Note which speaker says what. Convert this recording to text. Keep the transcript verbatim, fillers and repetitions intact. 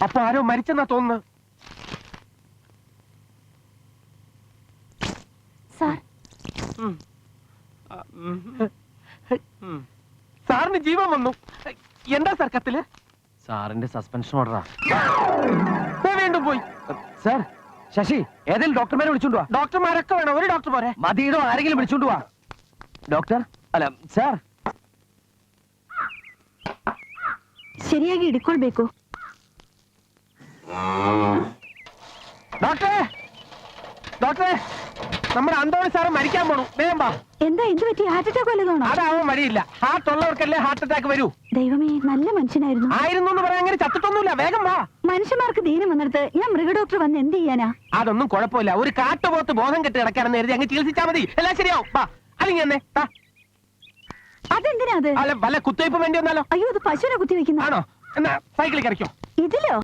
Speaker 1: അപ്പൊ ആരോ മരിച്ചെന്നാ തോന്നുന്നു. സാറിന് ജീവൻ വന്നു. എന്താ സാർ കത്തില്?
Speaker 2: സാറിന്റെ സസ്പെൻഷൻ ഓർഡറാ.
Speaker 1: വീണ്ടും പോയി.
Speaker 2: സാർ, ശശി ഏതെങ്കിലും ഡോക്ടർമാരെ വിളിച്ചോണ്ട് വാ.
Speaker 1: ഡോക്ടർമാരൊക്കെ വേണം, ഒരു ഡോക്ടർ പോരെ?
Speaker 2: മതിയിടോ, ആരെങ്കിലും വിളിച്ചോണ്ട് വാ. ഡോക്ടർ അല്ല സാർ.
Speaker 3: ಸರಿಯಾಗಿ ಹಿಡ್ಕೊಳ್ಬೇಕು.
Speaker 1: ഡോക്ടറെ, ഡോക്ടറെ, നമ്മുടെ അന്തോണി സാറ് മരിക്കാൻ പോണു. വേഗം വാ.
Speaker 3: എന്താ എന്ത് പറ്റി? Heart attack വല്ലതാണോ?
Speaker 1: അതാവാൻ വഴിയില്ല. ഹാർട്ട് ഉള്ളവർക്കല്ലേ ഹാർട്ട് അറ്റാക്ക് വരൂ.
Speaker 3: ദൈവമേ, നല്ല മനുഷ്യനായിരുന്നു.
Speaker 1: ആയിരുന്നു എന്ന് പറയാൻ അങ്ങനെ ചത്തിട്ടൊന്നുമില്ല. വേഗം വാ.
Speaker 3: മനുഷ്യന്മാർക്ക് ദീനം വന്നിടത്ത് ഞാൻ മൃഗഡോക്ടർ വന്ന് എന്ത് ചെയ്യാനാ?
Speaker 1: അതൊന്നും കുഴപ്പമില്ല. ഒരു കാട്ടുപോത്ത് ബോധം കെട്ടി കിടക്കാനെന്ന് കരുതി അങ്ങ് ചികിത്സിച്ചാൽ മതി, എല്ലാം ശരിയാവും. വാ, അല്ലെങ്കിൽ എന്നെ
Speaker 3: അതെന്തിനാ അത്?
Speaker 1: അല്ല, വല്ല കുത്തിവയ്പ്പ് വേണ്ടി വന്നാലോ?
Speaker 3: അയ്യോ, അത് പശുവിനെ കുത്തി വെക്കുന്ന
Speaker 1: ആണോ? എന്നാ സൈക്കിളിൽ കറിക്കോ.
Speaker 3: ഇതിലോ?